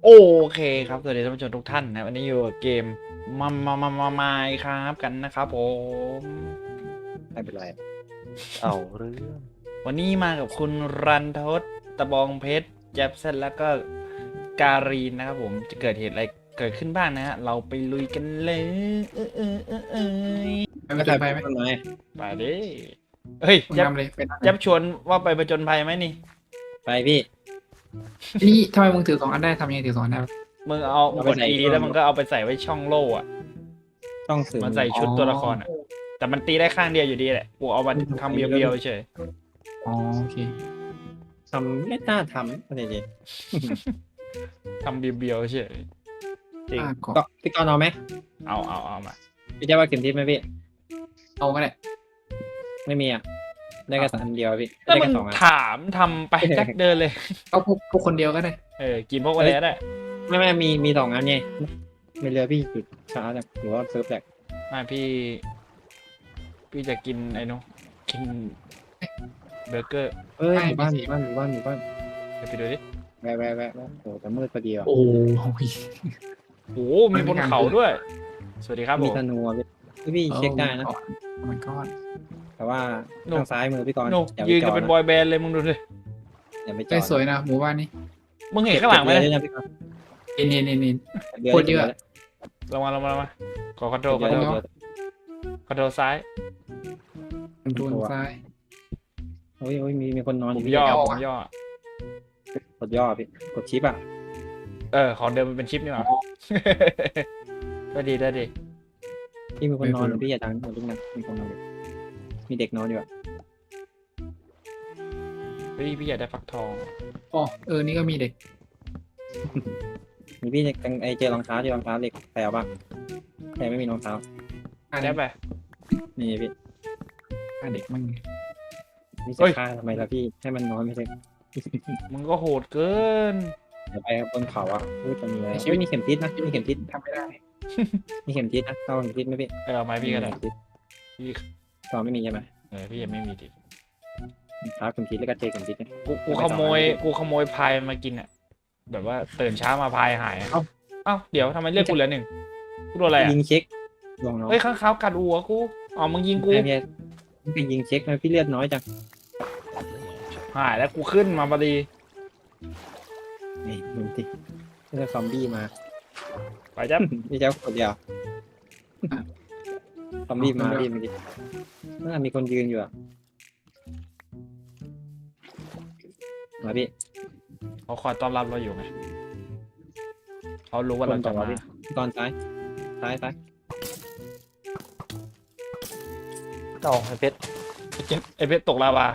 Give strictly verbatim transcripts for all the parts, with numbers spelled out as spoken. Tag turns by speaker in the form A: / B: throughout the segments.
A: โอเคครับสวัสดีท่านผู้ชมทุกท่านนะวันนี้อยู่กับเกมมามามามามาครับกันนะครับผม
B: ไม่เป็นไรเอาเรื่อง
A: วันนี้มากับคุณรันทดตะบองเพชรแจ็บเซนแล้วก็การีนนะครับผมจะเกิดเหตุอะไรเกิดขึ้นบ้างนะฮะเราไปลุยกันเลยเออเออเออเออ
C: ไปผจญภัยไหม
B: ทำไม
A: ไปดิเฮ้ย
C: มึง
A: แจ็บ
C: นำเลยเป็น
A: แจ็บชวนว่าไปผจญภัยไหมนี่
B: ไปพี่
C: นี่ทำไมมึงถือสองอันได้ทำยังไงถือสองอันได้วะ
A: มึงเอามึงกด E แล้วมึงก็เอาไปใส่ไว้ช่องโล่อะ
B: ต้องสื่อ
A: มันใส่ชุดตัวละครอะแต่มันตีได้ข้างเดียวอยู่ดีแหละกูเอามาทำเบียวๆเฉย
C: อ๋อโอเค
B: ทำไม่น่าทำอะไรเลย
A: ทำเบียวๆเฉยจริง
C: อ่าขอ
B: ก็พี่กรณ์เอาไหม
A: เอาเอาเอามา
B: พี่จะว่าเข็มทิศไหมพี่
C: เอาก็ได้
B: ไม่มีอ่ะได้แค่สามอันเดียวพี่
A: แล้ว
B: ได้
A: มึ
B: แค่
A: ง
B: สองอัน
A: ถามทำไปแจ็คเดินเลย
C: เอาพวกพวกคนเดียวก็ได้
A: เออ กินพวกอะไรก็ได้
B: ไม่ไม่มีมีสองอันไงไม่เรือพี่หยุดช้าจังหรือว่าเซิร์ฟแหลก
A: ไมาพี่ พี่จะกินไอ้นู้นกินเบอร์เกอร์
B: เอ้ยหมู่บ้านหมู่บ้านหมู่บ้านหมู่บ้าน
A: เดี๋ยวไปดูดิ
B: แวะแวะแวะแวะโอ้แต่มืดพอดีอ่ะ
C: โอ้ย
A: โอ้โหมีบนเขาด้วย สวัสดีครับผ
B: มี
A: ม
B: ธนูอ่ะพี่พี่เช็คได้นะ
C: มันก็
B: แต่ว่า
A: หนู
B: ทางซ้ายมือพี่กรณ์
A: โน่
B: อย่าไป
A: ยืน
B: จ
A: กั
B: อน ด
A: เป็น
B: นะ
A: บอยแบนด์เลยมึงดูดิ
B: อย่าไปจ
C: ได้
B: อด
C: สวยนะหมู่บ้านนี้
A: มึงเห็นข้างหลังไหม
B: เก็บเรือด้วยนะพี่กรณ์
C: เอ็นเอ็นเอ็นเอ็น
B: เรือ
C: โคตรเยอะ
A: ลงมาลงมาลงมาขอคอนโทรลค
B: เรือ
A: อนโทร
B: เรือ
A: ล
B: เรือ
A: คอนโทรลซ้าย
C: มันดูซ้าย
B: โอ้ยโอ้ยมีมีคนนอน
A: ผ
B: อยู่
A: ม
B: พี่
A: ย่อ
C: เอา
A: ผ
C: อะ
A: มย่อ
B: กดย่อพี่กดชิปอ่ะ
A: เออ ของเดิมมันเป็นชิปนี่หว่าได้ดีได้ดี
B: พี่มีคนนอนอยู่พี่อย่าดังอย่าลุกนะมีคนนอนอยู่มีเด็กนอนอยู่อ่ะ
A: พี่พี่อยากได้ฟักทอง
C: อ๋อเออนี่ก็มีเด็ก
B: มีพี่จังไอเจอรองเท้าเจอรองเท้าเด็กแปลบ้างแต่ไม่มีรองเท้า
C: อ่า
A: ได้ไป
B: นี่พี่
C: อ่าเด็กมั่ง
B: นี่
A: เฮ้
B: จะ
A: ย
B: ฆ่าทำไมล่ะพี่ให้มันนอนไม่ใช่
A: มึงก็โหดเกิน
B: เดี๋ยวไปบนเขาอ่ะพูดจะมีอะไรเฮ้ยมีเข็มทิศนะมีเข็มทิศ
C: ทำไม่ได้
B: มีเข็มทิศนะเข้าเข็มทิศไหมพี่
A: เออเอาไม้พี่ก็ได้
B: เข็มทิศ
A: พี่
B: ตอนไม่มีใช่ไหม
A: เออพี่ยังไม่มีดิ
B: ครับเข็มทิศแล้วก็เจเข็มทิศเนี่ย
A: กูกูขโมยกูขโมยพายมากินอ่ะแบบว่าตื่นเช้ามาพายหายอะเอ้าเดี๋ยวทำไมเลือกกูเหลือหนึ่งกูโดนอะไรอ่ะ
B: ยิงเช็คลองน้อง
A: เฮ้ยข้างขาวกัดหัวกูอ๋อมึงยิงกู
B: ไอ้พี่พี่ยิงเช็คนะพี่เลือดน้อยจัง
A: หายแล้วกูขึ้นมาพอดี
B: นี่ดูสินี่จะซอมบี้มา
A: ไปจ้ะ
B: พี่เจ้าคนเดียวซอมบี้มาพี่มันดิน่ามีคนยืนอยู่อ่ะมาพี่
A: เขาคอยต้อนรับเราอยู่ไงเขารู้ว่าเราจะมา
B: ตอนซ้ายซ้ายซ้าย
A: ต่อไอเพชรไอเจ็บไอเพชรตกลาวา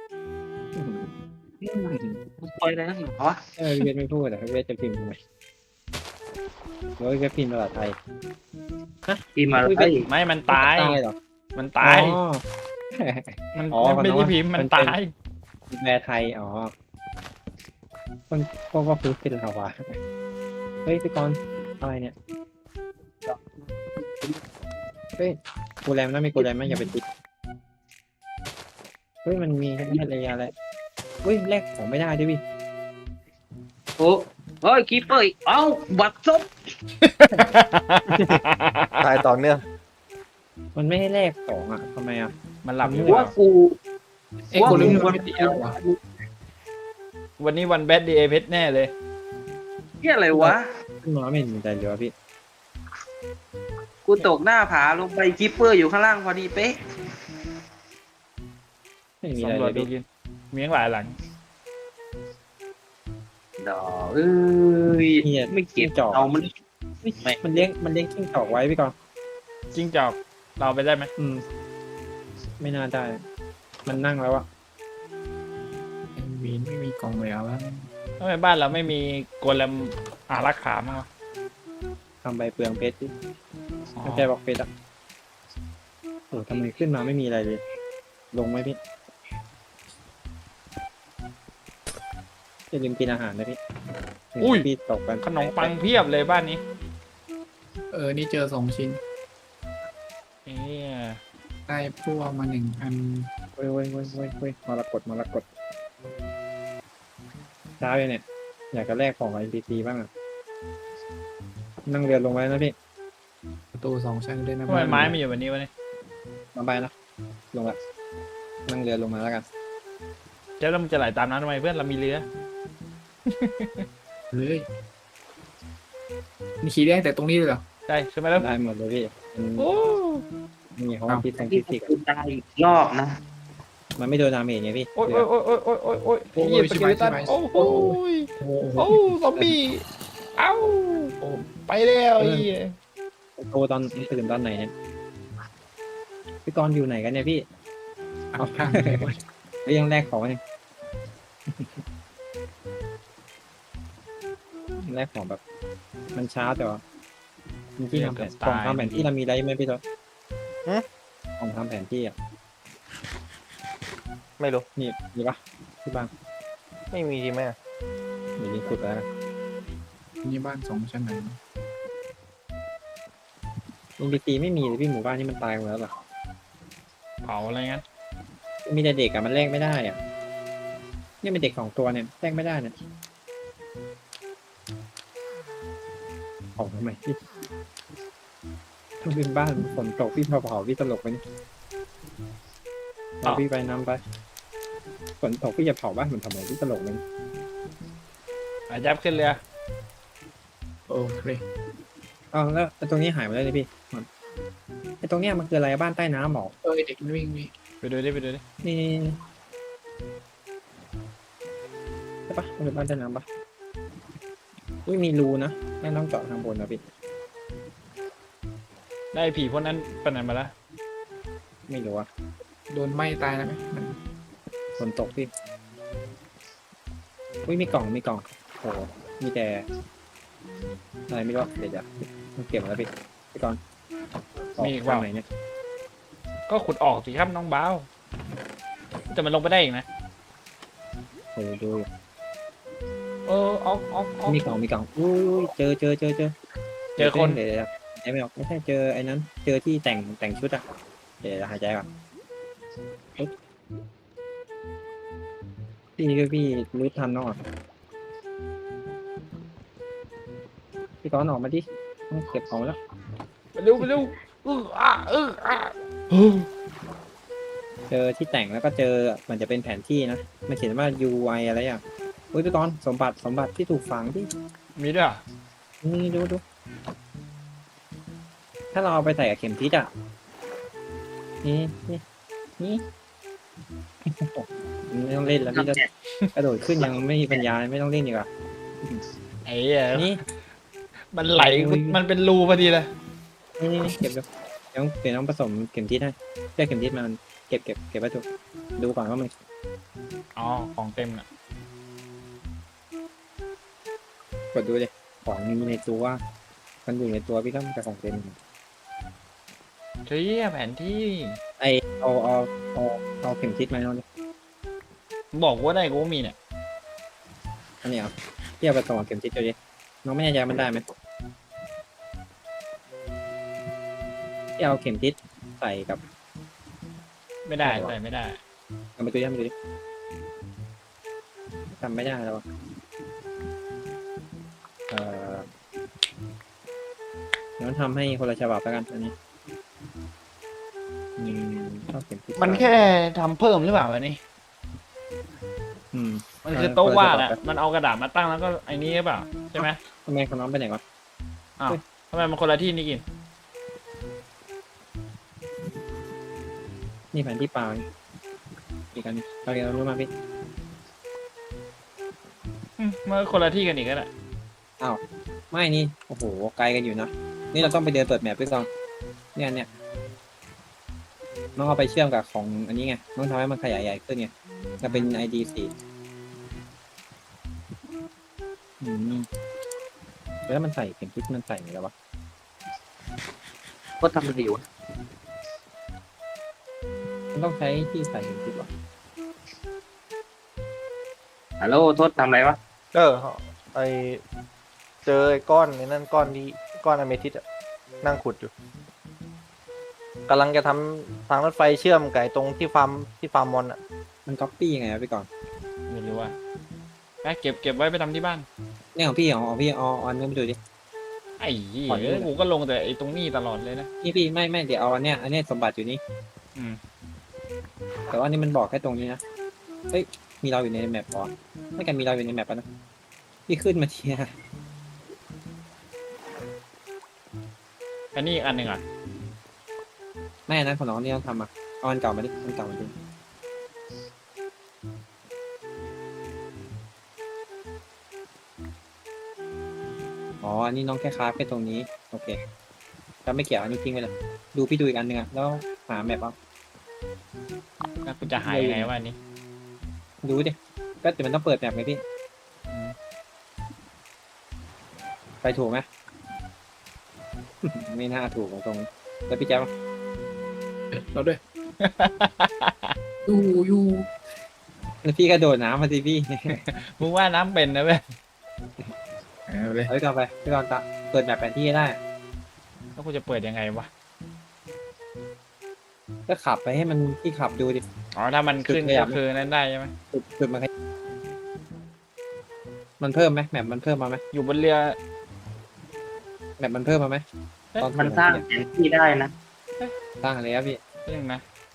C: ปล่อยอะไรนักหนาวะ
B: เออเวทไม่พูดแต่เวทจะพิมพ์ทำไมเฮ้ยเวทพิมพ์ภาษาไทย
C: ปีมา
B: เฮ้ย
C: ไอ้
A: ไม่มันตาย
B: ตายเหรอ
A: มันตาย
B: อ๋อ
A: มัน
B: อ๋อ
A: มันไม่
B: มัน
A: ได้
B: ว่า
A: พิมพ์มัน
B: มันเป็น
A: ตาย
B: แปลไทยอ๋อคนพวกว่าคือเป็นลาวาเฮ้ยพี่กรณ์อะไรเนี่ยเฮ้ยกูแรมนะมีกูแรมไหมอย่าไปติดเฮ้ยมันมีแค่ระยะแหละเฮ้ยแลกของไม่ได้ด้วยพี่
D: โอ้เฮ้ยคีเปอร์อีกเอ้าบัตรซบ
E: ตายต่อเนื่อง
B: มันไม่ให้แลกของอ่ะทำไมอ่ะ
A: มันหลับอยู่
D: ว่ากู
C: เอ้ยคนรู้มันไม่ตีแล้ววะ
A: วันนี้วันแบดดีเอเพชรแน่เลย
D: เฮียอะไรวะ
B: ขึ้นมาไม่เห็นมีใจเลยวะพี่
D: กูตกหน้าผาลงไปคีเปอร์อยู่ข้างล่างพอดีเป๊ะ
B: ไม่มีอะไร
A: สำร
B: เล
A: วจ
B: ย
A: ดู
B: พี่
A: กินมีทั้งหลายหลัง
D: ดอเอ้ย
B: เนี่ย
D: ไม่เก็บ
B: จอก
D: เอามัน
B: มันเลี้ยงมันเลี้ยงกิ้งจอกไว้พี่กรณ์
A: จิ้งจอกเราไปได้ไหม
B: อืม ไม่น่าได้ มันนั่งแล้วอะ
C: วีนไม่มีกล่องแล้ววะ
A: ทำไมบ้านเราไม่มีโกเลมอารักขามั้งวะ
B: ทำใบเปลืองเพชรดิ
A: อ๋อ
B: ไม่ใช่บอกเพชรอะโอ้ทำไมขึ้นมาไม่มีอะไรเลย ลงไหมพี่อย่าลืมกินอาหารนะพี่
A: อุ้ย
B: พี่ตกกัน
A: ขนมปังเพียบเลยบ้านนี้
C: เออนี่เจอสองชิ้น
A: เอ๊ะ
C: ได้พวกมาหนึ่งอัน
B: เว้ยเว้ยเว้ยเว้ยเว้ยมรกตมรกตช้าเลยเนี่ย อยากจะแลกของไอพีซีบ้างอะนั่งเรือลงไว้นะพี่
C: ประตูสองชั้นด้วยนะ
A: ทำไมไม้มันอยู่แบบนี้วะเนี่ย
B: มาไปนะลงละนั่งเรือลงมาแล้วกัน
A: เจ้าแล้วมึงจะไหลตามน้ำทำไมเพื่อนเรามีเรือ
C: เลยนี่ขี่ได้แต่ตรงนี้เลยเหรอ
A: ใช่ขึ้นมาแล้ว
B: ได้หมดเลยพี่มัน
A: โอ้
B: มีห้องพิษทาง
D: ที่
B: ฟิสิกส์
D: กูตายอีกรอบนะ
B: มันไม่โดนดาเมจไงพี่
A: โอ้ย
B: เรื
A: โอ้
B: อย
A: โอ้ยโอ้ยโอ้ยโอ้ยโอ้ยเหยียบสเกเลตันโอ้โหย
C: โอ้โห
A: โอ้ซอมบี้เอ้าโอ้ไปแล้วไอ้เหี้ย
B: โตตอนตื่นตอนไหนเนี่ยพี่กรณ์อยู่ไหนกันเนี่ยพี่
C: เอาข้าง
B: แล้วยังแลกของเนี่ยแลกของแบบ มันช้าแต่ว่ามีที่ทำแผนกล่องทำแผนที่เรามีอะไรไหมพี่ทศกล่องทำแผนที่อ่ะ
E: ไม่รู้
B: นี่มีปะที่บ้าน
E: ไม่มีทีแม่
B: เดี๋ยวนี้ขุดแล้วกัน
C: นี่บ้านสองชั้นไหน
B: อินพีซีไม่มีเลยพี่หมู่บ้านนี่มันตายหมดแล้วเหรอ
A: เผาอะไรงั้น
B: มีแต่เด็กอะมันแลกไม่ได้อ่ะเนี่ยเป็นเด็กสองตัวเนี่ยแลกไม่ได้เนี่ยเผาทำไมพี่ถ้าเป็นบ้านฝนตกพี่เผาเผาพี่ตลกไปนี่เอาพี่ไปนำไปฝนตกพี่จะเผาบ้านมันทำไมพี่ตลกเลย
A: อาจับขึ้นเรือ
C: โอเค
B: อ้าวแล้วตรงนี้หายไปแล้วเลยพี่ไอ้ตรงเนี้ยมันคืออะไรบ้านใต้น้ำหรอ
C: เอ้ยเด็กมันวิ่งวิ่ง
A: ไปดูดิไปดูดิ
B: นี่ใช่ปะมันเป็นบ้านใต้น้ำปะอุ้ยมีรูนะนั่นต้องเจาะทางบนนะพี่
A: ได้ผีพวกนั้นไปไหนมาละ
B: ไม่รู้อะ
C: โดนไหม้ตายแล้วไหมมัน
B: ฝนตกพี่อุ้ยมีกล่องมีกล่องโอ้มีแต่อะไรไม่รู้อะเดี๋ยวจะเก็บมาแล้วพี่พี่ก่อนทางไหนเนี่ย
A: ก็ขุดออกสิครับน้องบ้าวแต่มันลงไปได้อีกนะ
B: โอ้ดูอยู่
A: เออออกออกออก
B: มีกล่องมีกล่องอุ้ยเจอเจอเจอเจอ
A: เจอคน
B: เดี๋ยวเดี๋ยวหายใจไม่ออกไม่ใช่เจอไอ้นั้น เจอที่แต่งแต่งชุดอะเดี๋ยวหายใจก่อนปึ๊บพี่ก็พี่รู้ทันเนาะพี่ก้อนออกมาดิต้องเก็บของแล้ว
A: ไปเร็วไปเร็วเอออ่ะเอออ่ะเออ
B: เจอที่แต่งแล้วก็เจอมันจะเป็นแผนที่นะมันเขียนว่า ยู ไอ อะไรอ่ะอุ้ยพี่ก้อนสมบัติสมบัติที่ถูกฝังที่
A: มีด้วยเหรอ
B: นี่ดูดูถ้าเราเอาไปใส่กับเข็มทิศอ่ะนี่นี่นี่ ไม่ต้องเล่นแล้วพี่จะกระโดดขึ้นยังไม่มีปัญญาไม่ต้องเล่นดีกว่า
A: ไอ้เหี้ย
B: นี่
A: มันไหล
B: โอ้ย
A: มันเป็นรูพอดีเลย
B: นี่นี่เก็บดูเดี๋ยวเดี๋ยวต้องผสมเข็มทิศให้ได้เข็มทิศมามันเก็บเก็บเก็บไว้ดูดูก่อนว่ามัน
A: อ๋อของเต็มน่ะ
B: กดดูเลยของมีในตัวมันอยู่ในตัวพี่ก็มันจะของเต็ม
A: เฮ้ยแผนที่
B: ไอเอาเอาเอาเอาเข็มทิศมาเอาดิ
A: บอกว่าได้กูก็มีเนี่ย
B: อันนี้เอาเทียบกับตัวเข็มทิศดูดิน้องไม่แน่ใจมันได้ไหมที่เอาเข็มทิศใส่กับ
A: ไม่ได้ใส่ไม่ได้
B: เอามาดูดิเอามาดูดิจำไม่ได้แล้วอะเอ่อเดี๋ยวทำให้คนละฉบับแล้วกันอันนี้อืมชอบเข็มทิศ
A: มันแค่ทำเพิ่มหรือเปล่าวะนี่
B: อืม
A: มันคือโต๊ะวาดอะมันเอากระดาษมาตั้งแล้วก็ไอ้นี่หรือเปล่าใช่ไหม
B: ทำไมคนน้องไปไหนวะ
A: ทำไมมันคนละที่นี่กิน
B: นี่แผนที่ปลานี่อีกอันหนึงเราเรียนรู้มาพี่
A: อืมมันก็คนละที่กันอีกแล้วแหละ
B: ไม่นี่โอ้โหไกลกันอยู่นะนี่เราต้องไปเดินเปิดแมปด้วยก่อนเนี่ยเนี่ยน้องเอาไปเชื่อมกับของอันนี้ไงน้องทำให้มันขยายใหญ่ขึ้นไงจะเป็น ไอ ดี สี่อืมแล้วมันใส่เข็มทิศมันใส่ไหนแล้ววะ
D: ก็ทำดีวะ
B: มันต้องใช้ที่ใส่เข็มทิศวะ
D: ฮัลโหลโทษทำอะไรวะ
E: เออไอเจอไอ้ก้อนไอ้นั่นก้อนที่ก้อนอเมทิสอะนั่งขุดอยู่กำลังจะทำทางรถไฟเชื่อมไก่ตรงที่ฟาร์มที่ฟาร์มมอนอะ
B: มันก๊อปปี้ยังไงวะพี่ก่อน
A: ไม่รู้ว่าไปเก็บเก็บไว้ไปทำที่บ้าน
B: เนี่ยของพี่ของของพี่เอาเอาอันนี้มาดูดิ
A: ไอ้เหี้ย
B: ขอดูหน่อย
A: กูก็ลงแต่ไอ้ตรงนี้ตลอดเลยนะ
B: นี่พี่ไม่ไม่เดี๋ยวเอาอันเนี้ยอันเนี้ยสมบัติอยู่นี่
A: อืม
B: แต่ว่าอันนี่มันบอกแค่ตรงนี้นะเฮ้ยมีเราอยู่ในแมปก่อนไม่กันมีเราอยู่ในแมปปะนะพี่ขึ้นมาทีนะ
A: อันนี้อีกอันหนึ่งอ่ะ
B: ไม่อันนั้นของน้องนี่ต้องทำอ่ะเอาอันเก่ามาดิอันเก่ามาดิอ๋ออันนี้น้องแค่คราฟแค่ตรงนี้โอเคแล้วไม่เกี่ยวอันนี้ทิ้งไปเลยดูพี่ดูอีกอันหนึ่งอ่ะแล้วหาแมปเอา
A: แล้วกูจะหายยังไงวะอันนี้
B: ดูดิก็แต่มันต้องเปิดแมปไงพี่
A: อืม
B: ไปถูกไหม ไม่น่าถูกตรงๆแล้วพี่แจ๊บ
C: เราด้วย อยู่อยู่
B: แล้วพี่ก็โดดน้ำมาสิพี่
A: มึงว่าน้ำเป็นนะเว้ย
C: เอาเลย
B: เอาไปก่อนไปพี่ก่อนตะเปิดแมปแผนที่ให้ได้
A: แล้วกูจะเปิดยังไงวะ
B: ก็ขับไปให้มันพี่ขับดูดิ
A: อ๋อถ้ามันขึ้น
B: จุดขยั
A: ก็
B: บ
A: คือนั้นได้ใช่ไหม
B: จุดจุดมันให้มันเพิ่มไหมแมปมันเพิ่มมาไหม
A: อยู่บนเรือ
B: แมปมันเพิ่มมาไหมตอน
D: มันสร้างแผนที่ได้นะ
B: สร้างอะไรครับพี่
A: เรื่องนะ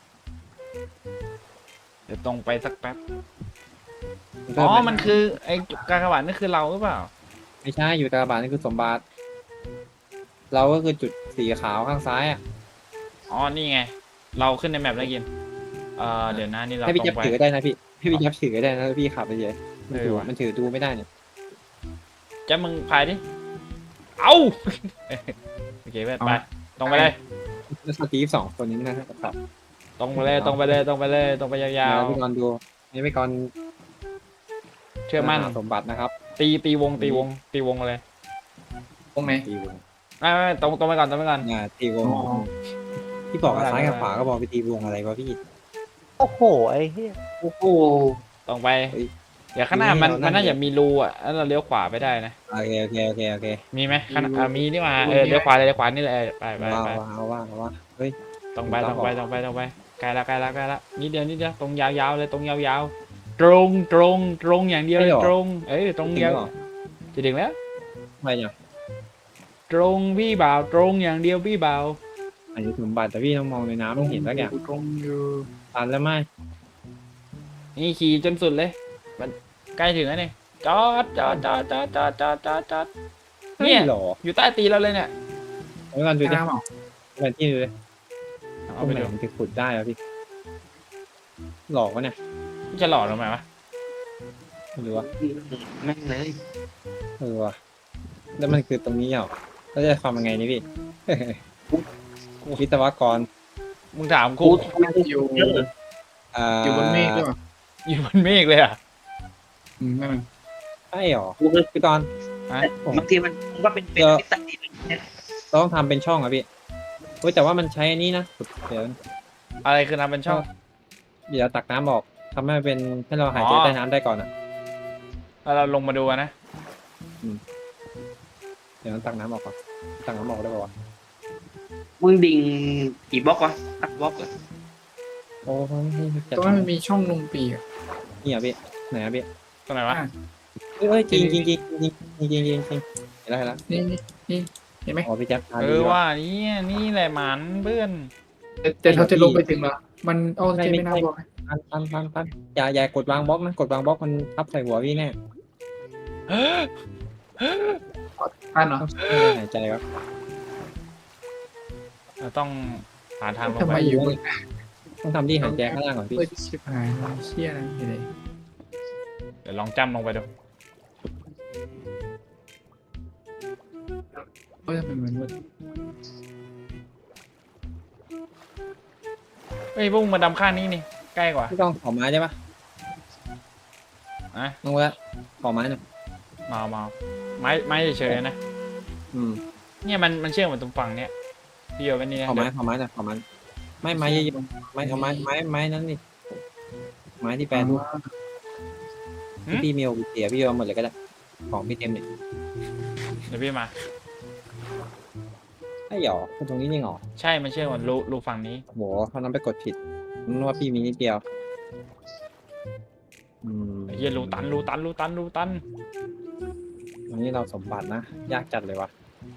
A: เดี๋ยวตรงไปสักแป๊บ
B: มัน
A: อ๋
B: เพิ่ม
A: อ
B: ไห
A: มันคือไอ้กากบาทนั่นคือเราหรือเปล่า
B: ไม่ใช่อยู่ตาบานนี่คือสมบัติเราก็คือจุดสีขาวข้างซ้ายอ่ะ
A: อ๋อ นี่ไง เราขึ้นในแมปแล้วกิน เอ่อ เดี๋ยวนะนี่เรา
B: ให้พี่
A: ตร
B: แจ๊บ
A: งไป
B: ถือได้นะพี่ให้พี่แจ๊บถือได้นะแล้วพี่ขับไปเฉยมันถือ
A: เออว่ะ
B: มันถือดูไม่ได้เนี่ย
A: จะมึงพายดิ เอา โอเคเว้ยไป ตรงไปเลย
B: แล้วสตีฟสองคนนี้นะครับ
A: ตรงไปเลย ตรงไปเลย ตรงไปเลย ตรงไปยาว
B: แล้วพี่กรณ์ดูนี่พี่กรณ์
A: ๆ เชื่อมั่น
B: หาสมบัตินะครับ
A: ตีตีวง ตีวง ตีวงเลย
C: ตรงไหน
B: ตีวง
A: ไม่ไม่ไม่ตรงตรงไปก่อน ตรงไปก่อน
B: อ่าตีวง
C: อ๋อ
B: พี่บอกกับ
A: ไม่
B: ซ้ายกับ
A: ไม่
B: ขวาก็บอกไปตีวงอะไรวะพี่
E: โอ้โหไอ้เหี้ย
D: โอ้โห
A: ตรงไป
B: เฮ้ย
A: เดี๋ยวข้างหน้ามัน
B: นี่เรานั่
A: มัน
B: ง
A: น่าจะมีรูอ่ะแล้วเราเลี้ยวขวาไปได้นะ
B: โอเคโอเคโอเคโอเค
A: มีไหมข้างหน้าอ่ะมีนี่หว่าเออ เลี้ยวขวาเลยเลี้ยวขวานี่เลยไปไป
B: ว้าว
A: ไป
B: ว้าวว้าวว้าวเฮ้ย
A: ตรงไป
B: ค
A: ต
B: รั
A: ร
B: บ
A: งไป
B: ผม
A: ตรงไปตรงไปใกล้ละใกล้ละใกล้ละนิดเดียวนิดเดียวตรงยาวๆเลยตรงยาวๆ ตรงตรงตรงอย่างเดียวเลยตรง เอ้ยตรง
B: จริง
A: ยาว
B: เหรอ
A: จะถึงแล้ว
B: ไม่เนี่ย
A: ตรงพี่บ่าวตรงอย่างเดียวพี่บ่าว
B: อันนี้สมบัติแต่พี่ต้องมองในน้ำต้องเห็นสักอย่าง
C: ตรงอยู่
B: ตันแล้วไหม
A: นี่ขี่จนสุดเลยมันใกล้ถึงแล้วนี่จอดจอดจอดจอดจอดจอดจอดจอด เนี่ย
B: ไม่หรอ
A: อยู่ใต้ตีนเราเลยเนี่ย
B: เอาไปก่อนดูดิ
C: น้ำเหรอ
B: แผนที่ดูดิ
A: เอาไป
B: ต
A: ดู
B: รงหนมันจะขุดได้เหรอพี่หลอกวะเนี่ย
A: จะหล่อลงมาวะ
B: ไม่รู้วะ
D: แม่งเลย
B: เออวะแล้วมันคือตรงนี้เหรอแล้วจะทำยังไงนี่พี่ วิศวกร
A: มึงถาม
D: กู
A: กู
D: ทำไมกู
C: อยู่
D: เยอะ
B: อ่า
C: อยู่บนเมฆด้วยเหรอ
A: อยู่บนเมฆเลยอ่ะ
C: อืมนั่นมัน
B: ใช่เหรอ
D: กูเลย
B: พี่กรณ์
A: ฮะ
B: ผม
D: บางทีมันก็เป็นเป็น
B: เออ
D: มิตรดีเนี่ย
B: เราต้องทำเป็นช่องอะพี่เฮ้ยแต่ว่ามันใช้อันนี้นะเดี๋ยว
A: อะไรคือทำเป็นช่อง
B: เดี๋ยวตักน้ำออกทำให้มันเป็นให้เราหายใจ
A: อ๋อ
B: ใต้น้ำได้ก่อนอะ
A: แล้วเราลงมาดูอะนะ
B: เดี๋ยวตักน้ำออกก่อนตักน้ำออกได้ป่าวะ
D: มึงดิ่งกี่บล็อกวะอักบล็อกเหรอ
B: โอ้ยจะ
C: ตรงนั้นมันมีช่องลงปีกอะ
B: นี่อะพี่ไหนอะพี่
A: ตรงไหนวะ
C: อ่ะ
B: เอ้ยจริงจริงจริงจริงจริงจริงจริงจริงเห็นแล้วเห็นแล้ว
C: นี่นี่นี่เห็นไหม
B: อ๋อพี่แจ๊คพา
A: เอ
B: ดู
A: อ
B: ดีก
A: ว่านี่นี่แหละหมันเพื่อน
C: แต่แต่เราจะลงไปถึงเหรอมันเอาเจไม่น่าบอก
B: ปันปันปันปันอย่าอย่ากดวางบล็อกนะกดวางบล็อกมันทับใส่หัวพี่แน่
C: อ่านเหรอ
B: ต้องช่วยหายใจครับ
A: เราต้องหาทางลง
C: ทำ
A: ไป
C: ไมอยู่บน
B: ต้องทำที่หายใจข้างล่างก่อนพี่
C: เพื่อชิบหายเชี่ยอะไรอยู่เลย
A: เดี๋ยวลองจำลงไปดู
C: เอ้ยมันเหมือนมืด
A: เฮ้ยพวกมึงมาดำข้างนี้นี่ใกล้กว่า
B: พี่ต้องขอไม้ใช่ปะ
A: อะ
B: ลงแล้วขอไม้หน่อย
A: มาเอามาเอาไม้ไม้เฉยๆนะ
B: อืม
A: เนี่ยมันมันเชื่อมกับตรงฝั่งเนี้ยพี่โยกันนี่นะ
B: ขอไม้ขอไม้หน่อยขอไม้ไม่ไม้เยอะๆไม้เอาไม้ไม้ไม้นั้นนี่ไม้ที่แปลนที่พี่มีโอเสียพี่เอาหมดเลยก็ได้ของพี่เต็มเนี่ย
A: เดี๋ยวพี่มา
B: ไอ้หยอคือตรงนี้นี่หรอ
A: ใช่มันเชื่อมกับรูรูฝั่งนี้
B: โหเขานั้นไปกดผิดนึกว่าพี่มีนิดเดียวอืม
A: ไอ้เหี้ยรูตันรูตันรูตันรูตัน
B: อันนี้เราสมบัตินะ ยากจัดเลยวะ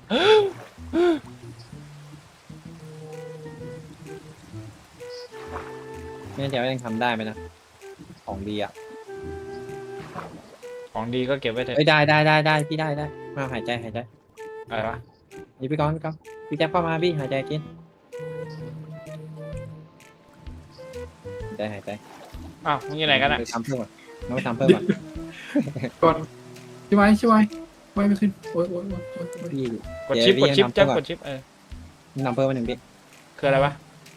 B: ไม่แน่ใจว่ายังทำได้ไหมนะ ของดีอ่ะ
A: ของดีก็เก็บไว้เถอะ
B: เอ้ยได้ได้ได้ได้พี่ได้ได้มาหายใจหายใจ
A: อะไรวะ
B: นี่พี่ก้อนพี่ก้อนพี่แจ๊บเข้ามาพี่หายใจกินหายใจหายใจ
A: อ้าวมึงอยู่ไหนกันอ่ะ
B: ไปทำเพิ่มก่อนน้องไปทำเพิ่มก่อน
C: ก่อนช่วยช่วยไว้ไม่ขึ้นโอ้ยโอ้ยโอ้ยโอ้ยโอ้ย
B: พี่
A: กดชิป
B: เดี๋
A: ก
B: ยว
A: ดชิป
B: พี่
A: จ้ะ
B: ยังทำเพิ่ม
A: กดชิปเออ
B: ทำเพิ่มมาหนึ่งพี่
A: คืออะไรวะ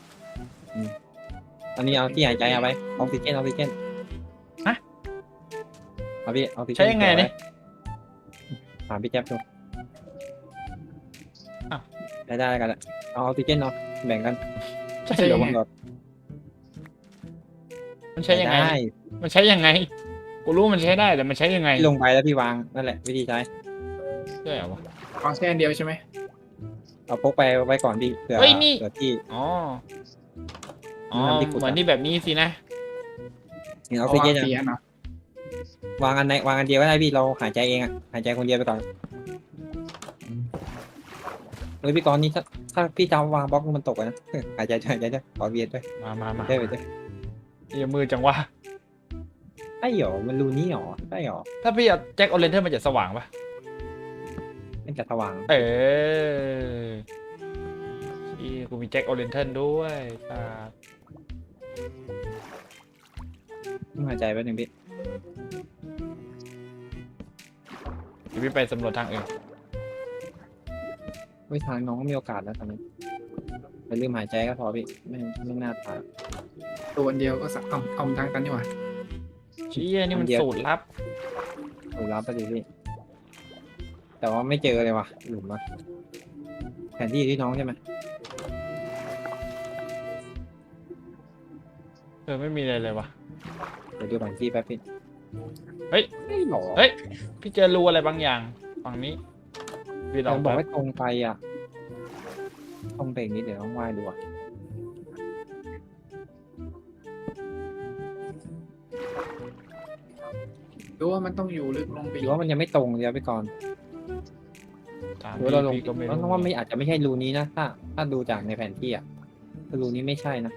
B: อันนี้เอาที่หายใจเอาไปออกซิเจนออกซิเจน
A: ฮะ
B: เอาพี่ออกซิเจน
A: ใช้ยังไงเนี่ย
B: ถามพี่แจ๊บดู
A: อ้าว
B: ได้ได้กันแหละเอาออกซิเจนเนาะแบ่งกัน
A: ใช่เหรอวะ
B: หลอด
A: มันใช้ยังไง
B: ได้
A: มันใช้ยังไง กูรู้มันใช้ได้แต่มันใช้ยังไง
B: พี่ลงไปแล้วพี่วางนั่นแหละวิธีใช้
A: ใช่เหรอวะ
C: ของแค่อันเดียวใช่ไหม
B: เอาพกไปไว้ก่อนพี่เผื่อ
A: เฮ้ยนี่
B: เผื่อที่
A: อ๋อ อ๋อ
B: น้ำที่ขุดอะ
A: เหมือนที่แบบนี้สินะ
B: เห็นอ
C: เอา
B: อกซิเจน
C: วาง
B: อะ
C: เสียเนาะ
B: วางอันไหนวางอันเดียวก็ได้พี่เราหายใจเองอะหายใจคนเดียวไปก่อนเฮ้ยพี่กรณ์นี่ถ้าถ้าพี่จะวางบล็อกมันตกอะนะ หายใจด้วยหายใจด้วยขอเวียนด้วย
A: มามามา
B: ได้ไปด้วย
A: เอียมือจังวะ
B: ไอ้หรอมันรูนี้หรอได้หรอ
A: ถ้าพี่เอาแจ็คโอเรนเทอร์มันจะสว่างปะ
B: มันจะสว่าง
A: เออที่กูมีแจ็คโอเรนเทอร์ด้วยอ่า
B: ต้องหายใจไปหนึ่งพี่
A: เดี๋ยวพี่ไปสำรวจทางอื่น
B: เฮ้ยทางน้องก็มีโอกาสแล้วตอนนี้ไปลืมหายใจก็พอพี่ไม่ไม่น่าตาย
C: ตัวอันเดียวก็สักเอาเอาทางกันดีกว่า
A: เชี่ยนี่มัน
B: เดี๋ยว
A: สูตรลับ
B: ถูกรับไปดิพี่แต่ว่าไม่เจอเลยว่ะหลุมอะแผนที่อยู่ที่น้องใช่ไหม
A: เออไม่มีอะไรเลยวะ
B: เดี๋ยวดูแผนที่แป๊บพี่
A: เฮ้ย
B: ไม่หรอ
A: เฮ้ย พี่เจอรูอะไรบางอย่างฝั่งนี้พี่ล
B: เรา
A: อง
B: บอก
A: แป๊บ
B: ว่าตรงไปอ่ะตรงไปอีกนิดเดี๋ยวต้องไหว้ดูอ่ะ
C: ดูว่ามันต้องอยู่ลึกลงไป
B: หรือว่ามันยังไม่ตรงเดี๋ยวไปก่อน
A: ตาม
B: หรือ
A: พี่
B: ว่าเราลง
A: พี่ก็ไม่
B: เพราะ
A: รู้
B: ว่าไม่อาจจะไม่ใช่รูนี้นะถ้า ถ้าดูจากในแผนที่อ่ะรูนี้ไม่ใช่นะ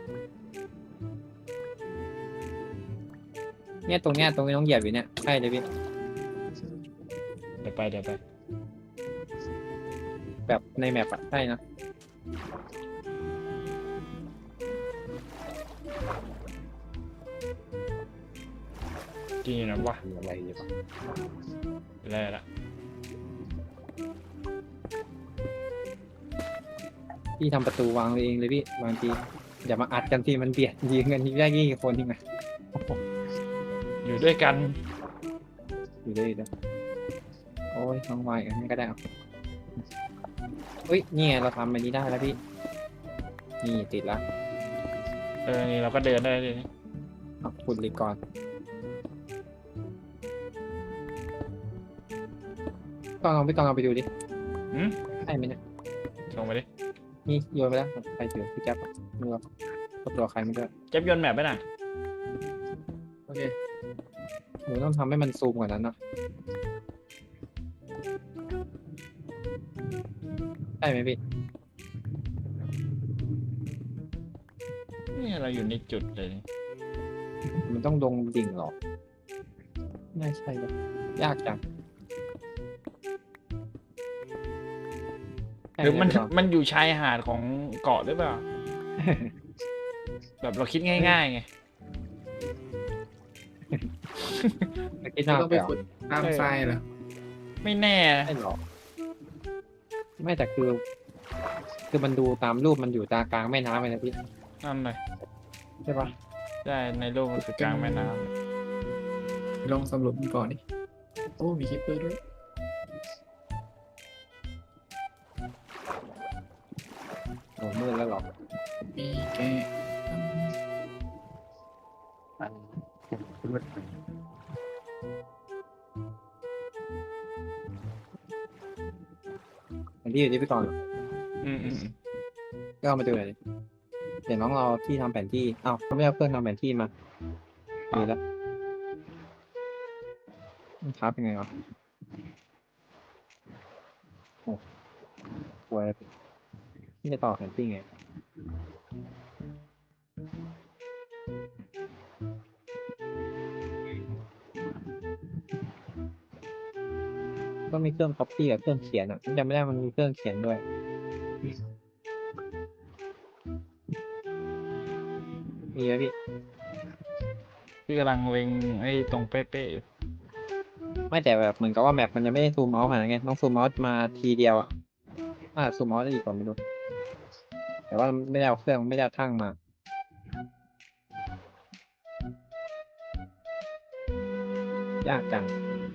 B: เนี่ยตรงเนี้ยตรงนี้น้องเหยียบอยู่เนี่ยใช่เลยพี่
A: เดี๋ยวไปเดี๋ยวไป
B: แบบในแมปอ่ะใช่นะ
A: จริงนะวะ
B: อะไรอยู่ปะ
A: อะไรละ
B: พี่ทำประตูวางเองเลยพี่บางทีอย่ามาอัดกันทีมันเบียดยิงกันทีได้กี่คนทีไง
A: อยู่ด้วยกัน
B: อยู่ได้อยู่ได้โอ้ยน้องวายอันนี้ก็ได้เอาเฮ้ยนี่ไงเราทำอันนี้ได้แล้วพี่นี่ติดแล้ว
A: เออนี่เราก็เดินได้เลย
B: เอาขุดเหล็กก่อนก่อนลองไปก่อนลองไปดูดิ
A: หืม
B: ใช่ไหมเนี่ย
A: ส่งไปดิ
B: นี่โยนไปแล้วใครถือพี่แจ๊บมือก็ตัวใครไม่ได้
A: เจ็บโยนแมปไปน่ะ
C: โอเค
B: หนูต้องทำให้มันซูมกว่านั้นเนาะใช่ไหมพี่
A: นี่เราอยู่ในจุดเลยนี่
B: มันต้องลงดิ่งเหรอไม่ใช่เลยยากจัง
A: หรือมัน
B: ใช่ไพี่
A: มันอยู่ชายหาดของเกาะหรือเปล่า แบบเราคิดง่ายๆไง
B: ไม่คิด
C: เรา
B: มาก
C: ต้อง
B: ไป
C: ไป
B: เหรอ
C: ขุดตามทรายเหรอ
A: ไม่แน่นะ
B: ใช่หรอไม่แต่คือ คือมันดูตามรูปมันอยู่ตากลางแม่น้ำเลยนะพี่
A: นั่นเลย
B: ใช่ปะ
A: ใช่ในโลกมันคือกลางแม่น้ำ
C: ลองสำรวจมันก่อนดิโอ้มีคิปเปอร์ด้วย
B: โอ้มืดแล้วเหรอ
C: มีแก
B: อันที่อยู่ที่พี่ก่อน
A: อืมอืมอืม
B: ก็เอามาดูหน่อยดิเดี๋ยวน้องเราที่ทำแผนที่อ้าวเขาไม่เอาเครื่องทำแผนที่มามีแล้วมันทับยังไงวะป่วยที่จะต่อแคมปิ้งไงก็มีเครื่อง copy กับเครื่องเขียนอ่ะจำไม่ได้มันมีเครื่องเขียนด้วยมีไหมพี่
A: พี่กำลังเล็งไอ้ตรงเป๊ะๆอยู่
B: ไม่แต่แบบเหมือนกับว่าแมปมันจะไม่ได้ซูมเมาส์ขนาดนั้นไงต้องซูมเมาส์มาทีเดียวอ่ะอ่าซูมเมาส์ได้ดีกว่าไม่รู้แต่ว่าไม่ได้เอาเครื่องไม่ได้เอาทั้งมา ยากจัง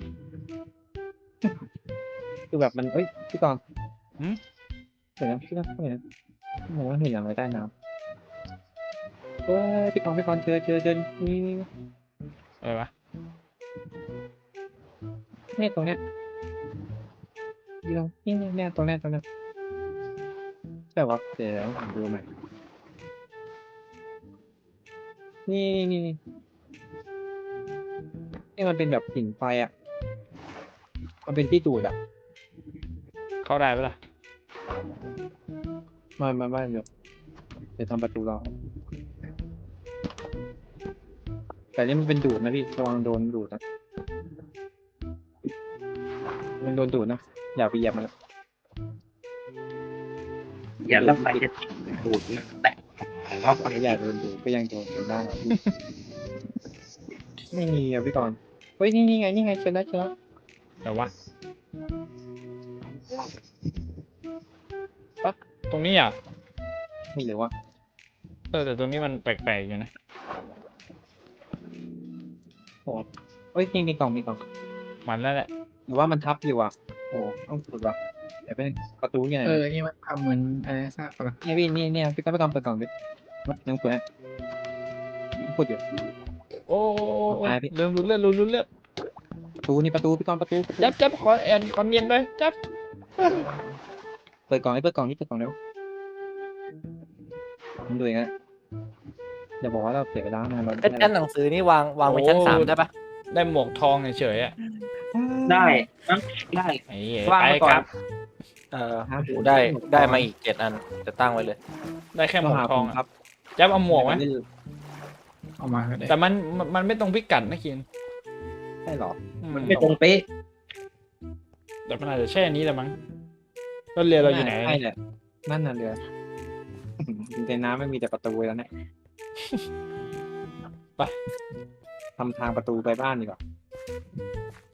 B: คือแบบมันเอ้ยพี่กรณ์
A: หืม
B: เดี๋ยวนะพี่กรณ์เห็นนะผมว่าเห็นอะไรใต้น้ำโอ้ยพี่กรณ์พี่กรณ์เจอเจอเจอนี่
A: อะไรวะ
B: เนี่ยตรงเนี้ยอยู่ตรงนี่เนี่ยเนี่ยตรงเนี้ยตรงเนี้ยแต่ว่าเดี๋ยวผมดูใหม่นี่นี่นี่นี่มันเป็นแบบหินไฟอ่ะ มันเป็นที่ดูดอ่ะ
A: เข้าได้ปะล่ะ
B: มามาบ้านเดี๋ยวเดี๋ยวทำประตูรอแต่นี่มันเป็นดูดนะพี่ระวังโดนดูดนะมันโดนดูดนะอย่าไปเหยียบมันนะ
D: อย่าแล้วไฟจะดูดนะแตะเอาไป
B: อย่าโดนดูดก็ยังโดนอยู่ได้อะพี่ ไม่มีอ่ะพี่กรณ์เฮ้ยนี่นี่ไงนี่ไงเจอแล้วเจอแล้ว
A: แต่ว่าปั๊บตรงนี้อ่ะ
B: นี่หรือว่า
A: เออแต่ตรงนี้มันแปลกๆอยู่นะ
B: โอ้เฮ้ยนี่มีกล่องมีกล่อง
A: มันแล้วแหละ
B: หรือว่ามันทับอยู่อ่ะโอ้ต้องสุดว่ะเดี๋ยวเป็นประตูยังไง
C: เออนี่มันทำเหมือนอะไรทราบปะล่ะ
B: เนี่ยพี่นี่เนี่ยพี่กรณ์พี่กรณ์เปิดกล่องดิยังสวยพูดอยู่
A: โอ้โอ้โอ้โอ้
B: ตายพี่
A: ลืมรู้เรื่องลืมรู้เรื่อง
B: ประตูนี่ประตูพี่กรณ์ประตู
A: จับจับขอแอนขอเนียนเลยจับ
B: เปิดกล่องให้เปิดกล่องนี่เปิดกล่องเร็วมันดูอย่างนั้นอย่าบอกว่าเราเสียเวลานานเรา
E: ไอ้แท่นหนังสือนี่วางวางไว้ชั้นสามได้ปะ
A: ได้หมวกทองเฉยๆอ่ะ
D: ได้นะได้
A: ไอ้เหี้ย
E: ว่าง
A: ไป
E: ไว้ก่อ
A: คน รับ
E: เออโหได้ได้มาอีกเจ็ดอันจะตั้งไว้เลย
A: ได้แค่หมวกทอง
B: ครั
A: อ่ะ
B: บ
A: จับเอาหมวกไหม
C: เอามาก็ได้
A: แต่มันมันมันไม่ตรงพิกัดนะคิน
B: ใช่หรอ
A: อื
D: มันไม่ตรงเป๊ะ
A: แต่มันอาจจะแช่นี้แหละมั้งรถเรือเราอยู่ไหน
B: ใช่แหละนั่นน่ะเรือในน้ำไม่มีแต่ประตูแล้วเนี่ย
A: ไป
B: ทำทางประตูไปบ้านดีกว่า